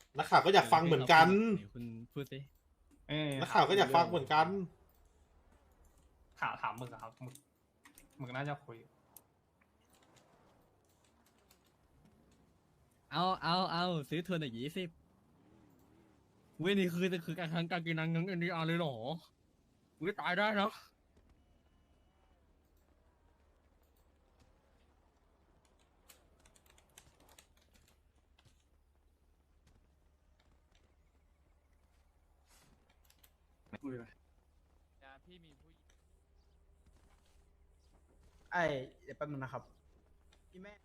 นักข่าวก็อยากฟังเหมือนกันคุณพูดสินักข่าวก็อยากฟังเหมือนกันถามมึงอะครับมึงน่าจะคุยเอาซื้อทัวร์หน่อย20เว้ยนี่คือการทั้งการกินนังทั้งNDRเลยเหรออุ้ยตายได้นะคุยไปพี่มีผู้เดี๋ยวแป๊บนึงนะครับพี่แม่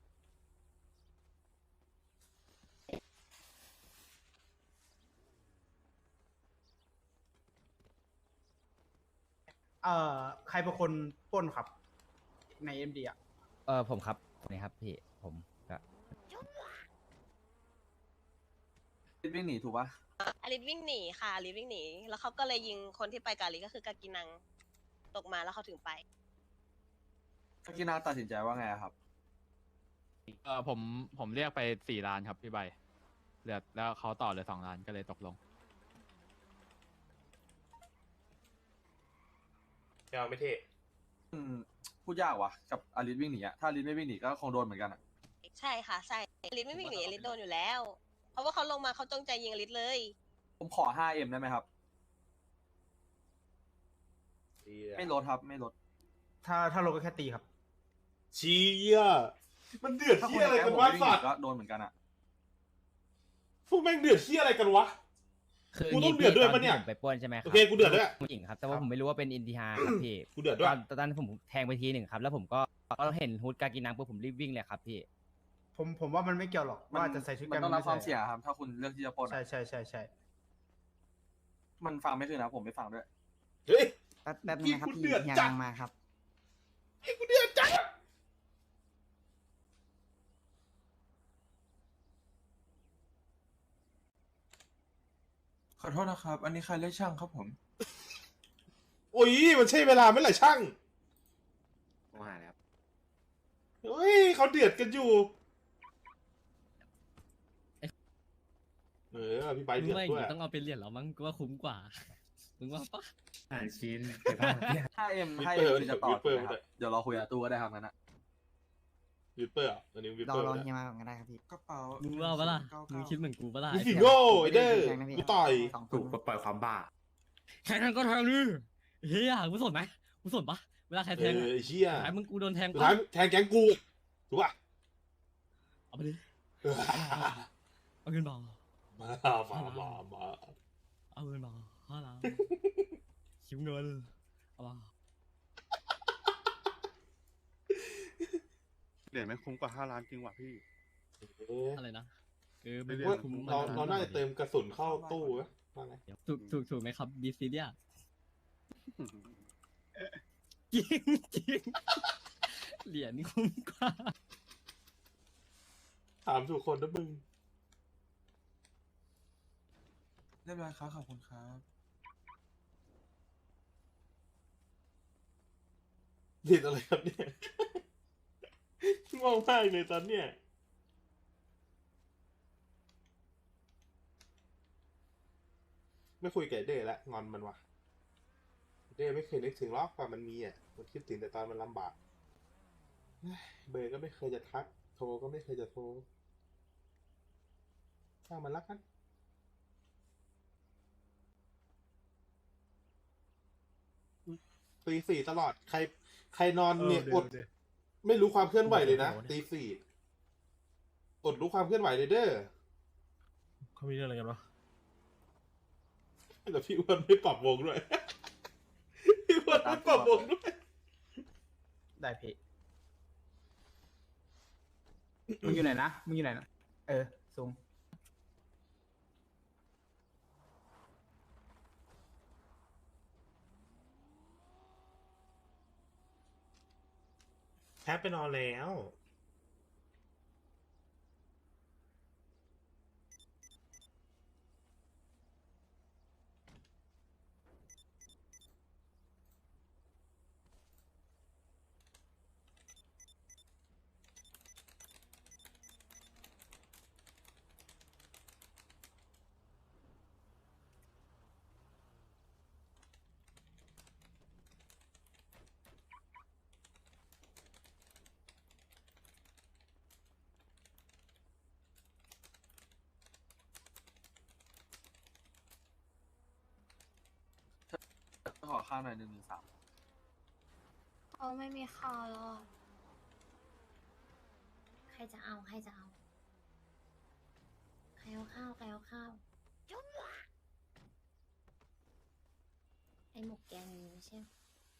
ใครเป็นคนปล้นครับ ในเอ็มดีอ่ะผมครับนี่ครับพี่ผมก็วิ่งหนีถูกปะอลิสวิ่งหนีค่ะอลิสวิ่งหนีแล้วเขาก็เลยยิงคนที่ไปกับอลิสก็คือกากินังตกมาแล้วเขาถึงไปกากินาตัดสินใจว่าไงอะครับผมเรียกไป4 ล้านครับพี่ใบเหลือแล้วเขาต่อเหลือ2 ล้านก็เลยตกลงไม่เท่พูดยากว่ะกับอลิสวิ่งหนีอะถ้าอลิสไม่วิ่งหนีก็คงโดนเหมือนกันอะใช่ค่ะใช่อลิสไม่วิ่งหนีอลิสโดนอยู่แล้ว เพราะว่าเขาลงมาเขาจงใจยิงอลิสเลยผมขอ 5M ได้ไหมครับ ไม่ลดครับไม่ลดถ้าลงก็แค่ตีครับเชี้อ่ะมันเดือดถ้าคเที่นยอะไรแก้กันผมวะไม่วิ่งหสันีตว์ก็โดนเหมือนกันอะพวกแม่งเดือดเที่ยอะไรกันวะคือกูต้องเดือดด้วยปะเนี่ยตอที่ผมไปปล้นใช่ไหมครัโอเคกูเดือดด้วยผู้หญิงครับแต่ว่าผมไม่รู้ว่าเป็นอินทิฮาครับพี่กูเดือดด้วยตอนนั้นผมแทงไปทีหนึ่งครับ แล้วผมก็เห็นฮูดกากินังปุ๊บผมรีบวิ่งเลยครับพี่ผมว่ามันไม่เกี่ยวหรอกว่าจะใส่ชุดมันกันต้องรับความไใเสี่ยงครับ ถ้าคุณเลือกที่จะปล้นใช่อะใช่มันฟังไม่ขึ้นนะผมไม่ฟังด้วยเฮ้ยแบบนึงนะครับพี่พี่กูเดือดยัจัดงมาครับกูเดือดจังขอโทษนะครับ อันนี้ใครเรียกช่างครับผมโอ้ยมันใช่เวลาไหม่หล่ะช่างผมหาแล้วเฮ้ยเขาเดือดกันอยู่พี่ใบมึงเดือดไม่ด้วยต้องเอาไปเรียนแล้วมั้งกูว่าคุ้มกว่ามึงว่าปะ 5M คือจะต่อถูกไหมครับเดี๋ยวเราคุยกับตู้ก็ได้ครับนั้นอะวิปเปอร์อ่ะอันนี้วิปรอเปอร์รอนะเฮียมาก่อนก็ได้ครับพี่กระเป๋ามึงว่าปะล่ะมึงคิดเหมือนกูปะล่ะมึงสิโง่ไอ้เด้อแทงนะพี่กูต่อยสองคถูนกปล่อยความบ้าแทงก็แทงดิเฮียกูสนไหมกูสนปะเวลาใครแทงไอ้เชี่ยสุดท้ายมึงกูโดนแทงสุดปะท้ายแทงแก๊งกูถูกป่ะเอาไปดิเอาเงินมามามาเอาเงินมา5 ล้านคิวเงินเอามาเหรียญไม่คุ้มกว่า5 ล้านจริงว่ะพี่อะไรนะมึไม่งเรียกว่าคุ้มเราน่าจะเติมกระสุนเข้าตู้ไหมว่าไงถูกไหมครับบีซีเนี่ยจริงจริงเหรียญคุ้มกว่าถามทุกคนนะมึงเรียบร้อยครับขอบคุณครับผิดอะไรครับเนี่ยง่วงมากเลยตอนเนี้ยไม่คุยกับไอ้เด้ละงอนมันวะเด้ไม่เคยนึกถึงหรอกว่ามันมีอ่ะมันคิดถึงแต่ตอนมันลำบากเบอร์ก็ไม่เคยจะทักโทรก็ไม่เคยจะโทรช่างมันรักกันตี 4ตลอดใครนอนเนี่ยอดไม่รู้ความเคลื่อนไหวเลยนะตี 4อดรู้ความเคลื่อนไหวเลยเด้อเขามีเรื่องอะไรกันวะแต่พี่อ้วนไม่ปรับวงด้วย พี่อ้วนไม่ปรับวงด้วยได้พี่มึงอยู่ไหนนะสูงแทบไปนอนแล้วข้าวหน่อย113 เขาไม่มีข้าวแล้วอะใครจะเอาใครจะเอาใครเอาข้าวใครเอาข้าวจุ๊บไอหมกแกงนี้ใช่ไหม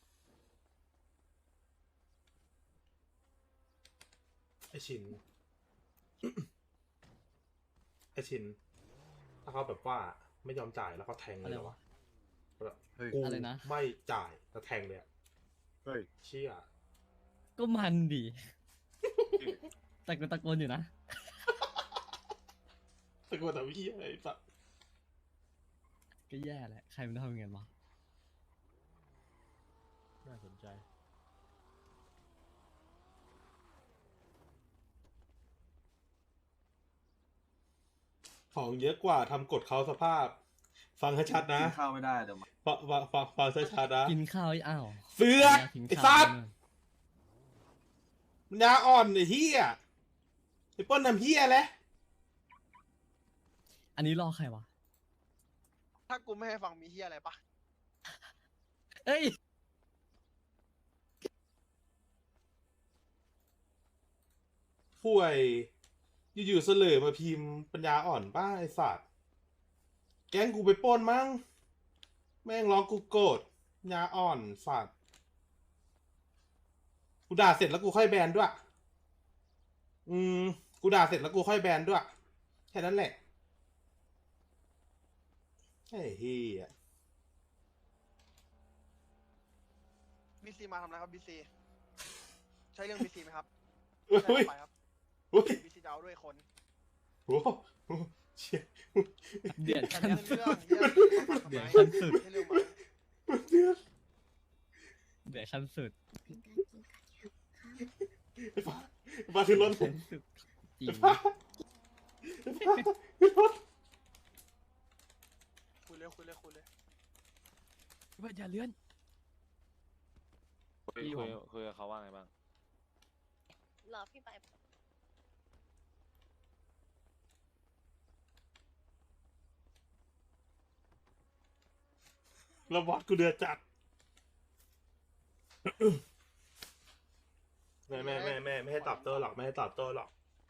ไอชิน ไอชิน ถ้าเขาแบบว่าไม่ยอมจ่ายแล้วเขาแทงเลยเหรอวะแบบเฮ้ยกูอะไรนะไม่จ่ายแล้วแทงเลยอะเฮ้ยเชี่ยก็มันดี แต่กูตะโกนอยู่นะสะกดแต่พี่ไอ้สัสก็แย่แหละ ใครมันทำอย่างนั้นวะน่าสนใจของเยอะกว่าทำกดเขาสภาพ ฟังให้ชัดนะกินข้าวไม่ได้เดี๋ยวมาฟังให้ชัดนะกินข้าวอ้าวเสือกกินไอ้ข้าวสัสมันยาอ่อนไอ้เหี้ยไอ้เปิ้ลทำเหี้ยแหละอันนี้รอใครวะถ้ากูไม่ให้ฟังมีเฮียอะไรปะเอ้ยป่วยอยู่ๆเสลอมาพิมพ์ปัญญาอ่อนป้าไอ้สัตว์แก๊งกูไปปล้นมั้งแม่งร้องกูโกรธปัญญาอ่อนสัตว์กูด่าเสร็จแล้วกูค่อยแบนด้วยกูด่าเสร็จแล้วกูค่อยแบนด้วยแค่นั้นแหละไอ้เหี้ยบีซีมาทำอะไรครับบีซีใช่เรื่องบีซีไหมครับอุ้ยไปครับอุ้ยบีซีจะเอาด้วยคนโอ้โหเชี่ยเดือดแต่ขั้นเรื่องสุดเรื่องเดือดขั้ขั้นสุดให้เรื่องมันเดือดเดือดขั้นสุดเป็นการกินกันครับไอ้ฟ้าไอ้ฟ้าขึ้นรถขั้นสุดจริงไอ้ฟ้าขึ้นรถคุยเลยคุยเลยคุยเลยว่าอย่าเลื่อนคุยกับเขาว่าไงบ้างรอพี่ไปแล้วบอสกูเดือดจัดไม่ให้ตอบโต้หรอกไม่ให้ตอบโต้หรอก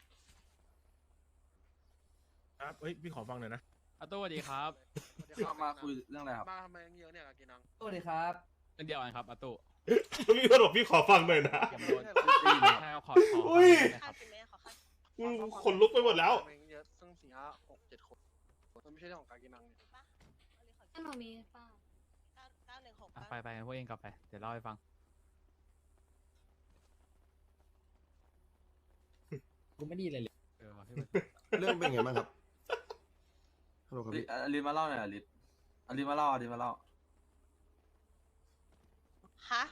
ครับเฮ้ย พี่ขอฟังหน่อยนะอาตู้สวัสดีครับมาคุยเรื่องอะไรครับมาทำไมเยอะเนี่ยกับกินังสวัสดีครับเป็นเดียวกันครับอาตู้แล้วพี่ก็บอกพี่ขอฟังหน่อยนะอย่าโดนใช่ขออุ้ยข้าวกินไหมขอข้าวขนลุกไปหมดแล้วเยอะซึ่ง4 5 6 7 คนมันไม่ใช่เรื่องของการกินังนี่ปะถ้าหนูมีเปล่า 916 ไปกันพวกเองกลับไป เดี๋ยวเล่าให้ฟังกูไม่ดีเลยว่ะพี่เรื่องเป็นไงบ้างครับฮัลโหลครับพี่อลินมาเล่าหน่อยอลินมาเล่าอลินมาเล่าฮะ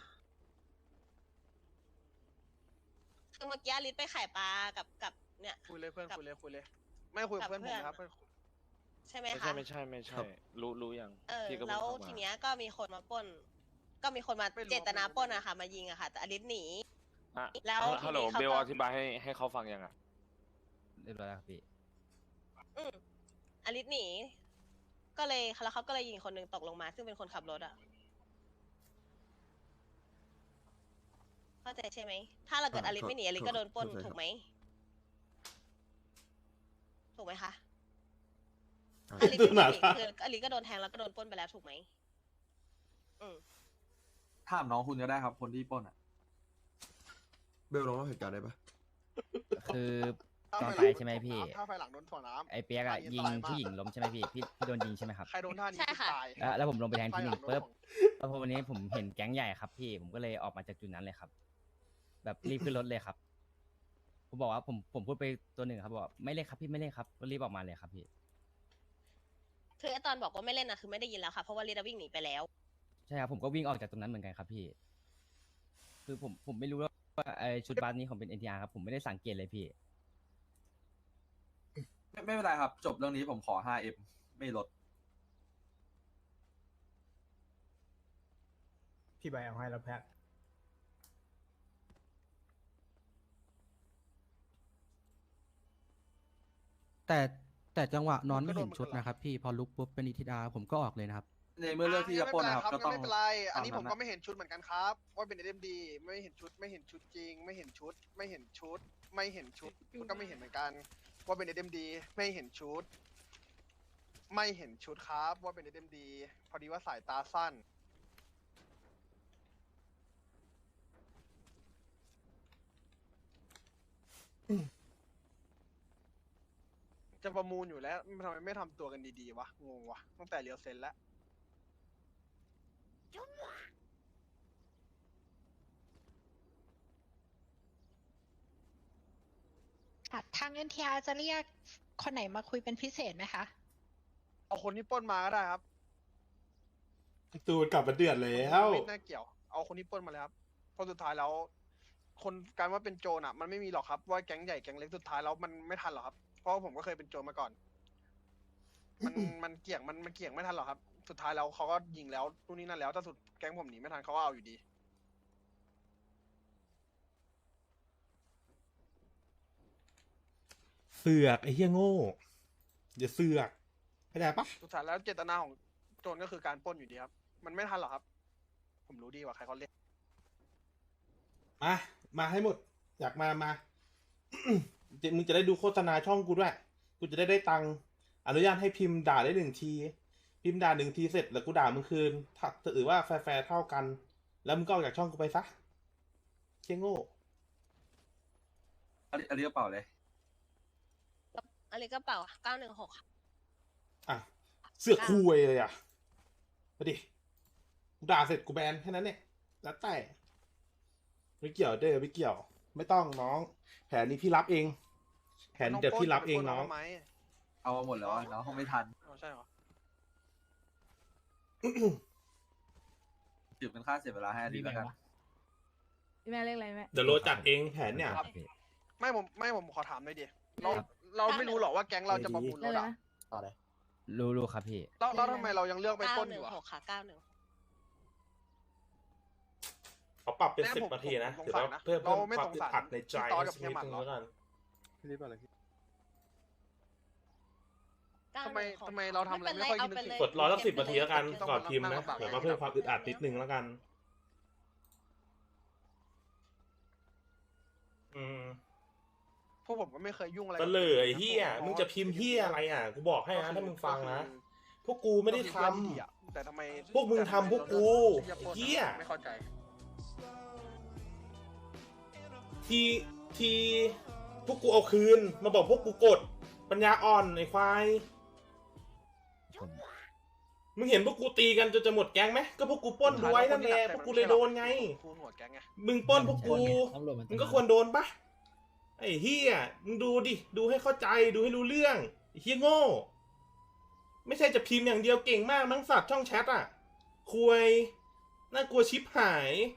คือเมื่อกี้ลิศไปขายปลากับเนี่ยคุยเลยเพื่อนคุยเลยคุยเลย ไม่คุยกับเพื่อนผมนะครับใช่ไหมไม่คะใช่ รู้ยัง พี่ก็แล้วเพิ่งเข้ามาทีเนี้ยก็มีคนมาปล้น ก็มีคนมาเจตนาปล้นอะค่ะ มายิงอะค่ะ แต่อลิศหนีอ่ะแล้วฮัลโหลทีนี้เขาก็เบลอธิบายให้เขาฟังยังอ่ะเรียบร้อยแล้วครับพี่อลิศหนี ก็เลยแล้วเขาก็เลยยิงคนหนึ่งตกลงมา ซึ่งเป็นคนขับรถอะเข้าใจใช่ไหม ถ้าเราเกิดอลิศไม่หนีอลิศก็โดนปล้นถูกไหม ถูกไหมคะ อลิศไม่หนีคืออลิศก็โดนแทงแล้วก็โดนปล้นไปแล้วถูกไหมถามน้องคุณก็ได้ครับ คนที่ปล้นอ่ะเบลลองเล่าเหตุการณ์ได้ปะคือตอนไปใช่ไหมพี่ถ้าไฟหลังโดนถ่วงน้ำไอ้เปียกอะยิงผู้หญิงล้มใช่ไหมพี่โดนยิงใช่ไหมครับใครโดนท่านี้ใช่ค่ะตายแล้วผมลงไปแทงที่หนึ่งไฟลัปุ๊บโดนแล้วพอวันนี้ผมเห็นแก๊งใหญ่ครับพี่ ผมก็เลยออกมาจากจุดนั้นเลยครับ แบบรีบขึ้นรถเลยครับ ผมบอกว่าผมพูดไปตัวหนึ่งครับบอกว่าไม่เล่นครับพี่ไม่เล่นครับก็รีบออกมาเลยครับพี่คือไอ้ตอนบอกว่าไม่เล่นนะคือไม่ได้ยินแล้วค่ะ เพราะว่าลิศวิ่งหนีไปแล้วใช่ครับผมก็วิ่งออกจากตรงนั้นเหมือนกันครับพี่ คือผมไม่รู้ว่าไอชุดบาสนี้ของเป็น NTR ครับผมไม่ได้สังเกตเลยพี่ไม่เป็นไรครับ จบเรื่องนี้ผมขอ 5M ไม่ลดพี่ใบเอาให้แล้วแพ็คแต่จังหวะนอนไม่เห็นชุดนะครับพี่พอลุกปุ๊บเป็นอิทิดาผมก็ออกเลยนะครับในเมื่อเลือกที่จะปล้นนะครับก็ต้องไม่เป็นไรอันนี้ตามผนั้นมนะก็ไม่เห็นชุดเหมือนกันครับว่าเป็น SMD ไม่เห็นชุดจริง ไม่เห็นชุดก็ไม่เห็นเหมือนกันว่าเป็น SMD ไม่เห็นชุดครับว่าเป็น SMD พอดีว่าสายตาสั้น จะประมูลอยู่แล้วทำไมไม่ทำตัวกันดีๆวะงงวะตั้งแต่เรียวเซนแล้วทาง NTR จะเรียกคนไหนมาคุยเป็นพิเศษไหมคะเอาคนที่ปล้นมาก็ได้ครับตูนกลับมาเดือดแล้วไม่น่าเกี่ยว เอาคนที่ปล้นมาเลยครับเพราะสุดท้ายแล้ว คนการว่าเป็นโจรอ่ะ มันไม่มีหรอกครับว่าแก๊งใหญ่แก๊งเล็กสุดท้ายแล้วมันไม่ทันหรอกครับ เพราะว่าผมก็เคยเป็นโจรมาก่อน มันเกี่ยงไม่ทันหรอกครับ สุดท้ายแล้วเขาก็ยิงแล้วนู่นนี่นั่นแล้วถ้าสุดแก๊งผมหนีไม่ทันเขาก็เอาอยู่ดีเสือกไอ้เหี้ยโง่อย่าเสือกเข้าใจปะสุดท้ายแล้วเจตนาของโจรก็คือการปล้นอยู่ดีครับ มันไม่ทันหรอกครับ ผมรู้ดีกว่าใครเขาเรียกมาให้หมด อยากมา มึงจะได้ดูโฆษณาช่องกูด้วย กูจะได้ตังค์อนุญาตให้พิมพ์ด่าได้1 ที พิมพ์ด่า1 ทีเสร็จแล้วกูด่ามึงคืนถ้าถือว่าแฟร์เท่ากัน แล้วมึงก็ออกจากช่องกูไปซะเชี่ยโง่อันนี้กระเป๋าเลยอันนี้กระเป๋า916ค่ะอ่ะ เสือกคุยเลยอ่ะมาดิกูด่าเสร็จกูแบนแค่นั้นเนี่ยแล้วแต่ไม่เกี่ยวเด้อไม่เกี่ยว ไม่ต้องน้อง แผนนี้พี่รับเอง แผนเดี๋ยวพี่รับเองน้องเอามาหมดแล้วอะน้องคงไม่ทันใช่เหรอถือเป็นค่าเสียเวลาให้อดีตแล้วกันพี่แม่เรียกอะไรแม่เดี๋ยวโรจัดเองแผนเนี่ยครับพี่ไม่ผมขอถามหน่อยดิเราครับเราไม่รู้หรอกว่าแก๊งเราจะประมูลรถอะต่อเลยรู้ครับพี่แล้วทำไมเรายังเลือกไปปล้นอยู่อะ 916ค่ะ916 เขาปรับเป็นแน่ผม 10 นาทีนะผมถือว่าสงสารนะเพิ่มเราไม่ความสงอึดสารอัดในใจพี่ต๊อดกับสักเฮียนิดหมัดนึงเหรอแล้วกันทำไมเราทำอะไรไม่ค่อยคิดนึกถึงกดรอสัก10 นาทีแล้วกันก่อนพิมพ์นะเดี๋ยวมาเพิ่มความอึดอัดนิดนึงแล้วกันพวกผมก็ไม่เคยยุ่งอะไรเสลอไอ้เหี้ยมึงจะพิมพ์เหี้ยอะไรอ่ะกูบอกให้นะถ้ามึงฟังนะ พวกกูไม่ได้ทำแต่ทำไมพวกมึงทำพวกกูไอ้เหี้ยไม่เข้าใจทีพวกกูเอาคืนมาบอกพวกกูกดปัญญาอ่อนไอ้ควาย มึงเห็นพวกกูตีกันจนจะหมดแก๊งไหมก็พวกกูปล้นด้วยนั่นแหละพวกกูเลยโดนไงคูณหัวแก๊งไงมึงปล้นพวกกู มึงก็ควรโดนปะไอ้เฮียมึงดูดิ ดูให้เข้าใจ ดูให้รู้เรื่องไอ้เฮียโง่ ไม่ใช่จะพิมพ์อย่างเดียวเก่งมากมั้งสัตว์ช่องแชทอ่ะคุยน่ากลัวชิบหาย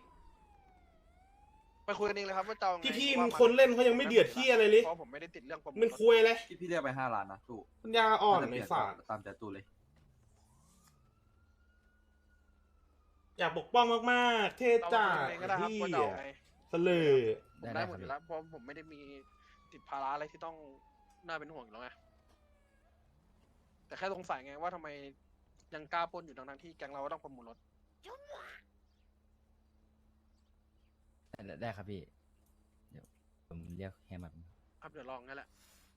ไปคุยกันเองเลยครับว่าจะเอาไงพี่ว่ามึงคนเล่นเขายังไม่เดือดที่อะไรเลยเพราะผมไม่ได้ติดเรื่องประมูลมันคุยเลยพี่เรียกไป5 ล้านนะตู้ปัญญาอ่อนน่าจะเปไอ้ลี่ยนสัตว์ตามใจตู้เลยอยากปกป้องมากๆ เท่เราจ้าคุยกันเองก็ได้ครับที่ว่าจะเอาไงเสลอผมได้หมดอยู่แล้วเพราะผมไม่ได้มีติดภาระอะไรที่ต้องน่าเป็นห่วงอยู่แล้วไงแต่แค่สงสัยไงว่าทำไมยังกล้าปล้นอยู่ทั้งๆที่แก๊งเราก็ต้องประมูลรถได้ครับพี่ เดี๋ยวผมเรียกแฮมมาครับเดี๋ยวลองนั่นแหละ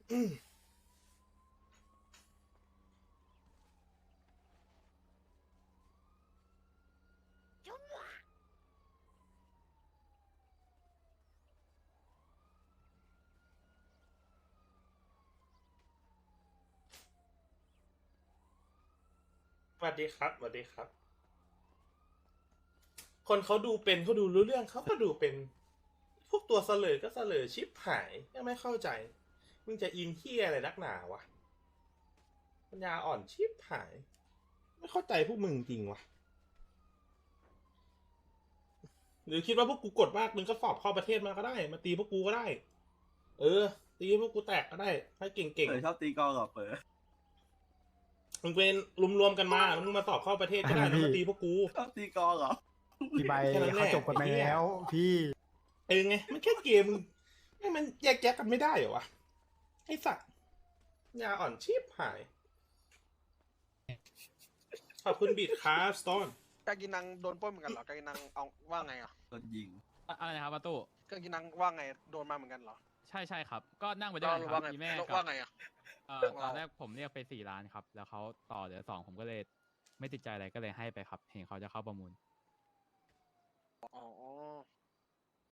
สวัสดีครับสวัสดีครับ คนเขาดูเป็นเขาดูรู้เรื่องเขาก็ดูเป็น พวกตัวเสลอก็เสลอชิบหายยังไม่เข้าใจ มึงจะอินเฮียอะไรนักหนาวะปัญญาอ่อนชิบหาย ไม่เข้าใจพวกมึงจริงวะหรือคิดว่าพวกกูกดมากมึงก็สอบเข้าประเทศมาก็ได้ มาตีพวกกูก็ได้ ตีพวกกูแตกก็ได้ให้เก่งชอบตีกอล์ฟกับเปิดๆมึงเป็นรวมๆกันมาแล้วมึงมาสอบเข้าประเทศก็ได้แล้วมาตีพวกกูชอบตีกอล์ฟเหรอพี่ใบเขาจบกันไปแล้วพี่ไงมันแค่เกมให้มันแยกแยะกันไม่ได้เหรอวะไอ้สัตว์ยาอ่อนชีพหายขอบคุณบีดครับสโตนกากินังโดนปล้นเหมือนกันเหรอกากินังเอาว่าไงอ่ะโดนยิงอะไรนะครับประตูกากินังว่าไงโดนมาเหมือนกันเหรอใช่ใช่ครับ ก็นั่งไปด้วยกันคว่ารับไงมีแม่ว่ากับไงอ่ะตอนแรกผมเรียกไป4 ล้านครับ แล้วเขาต่อเหลือ2ผมก็เลยไม่ติดใจอะไรก็เลยให้ไปครับ เห็นเขาจะเข้าประมูลอ๋อ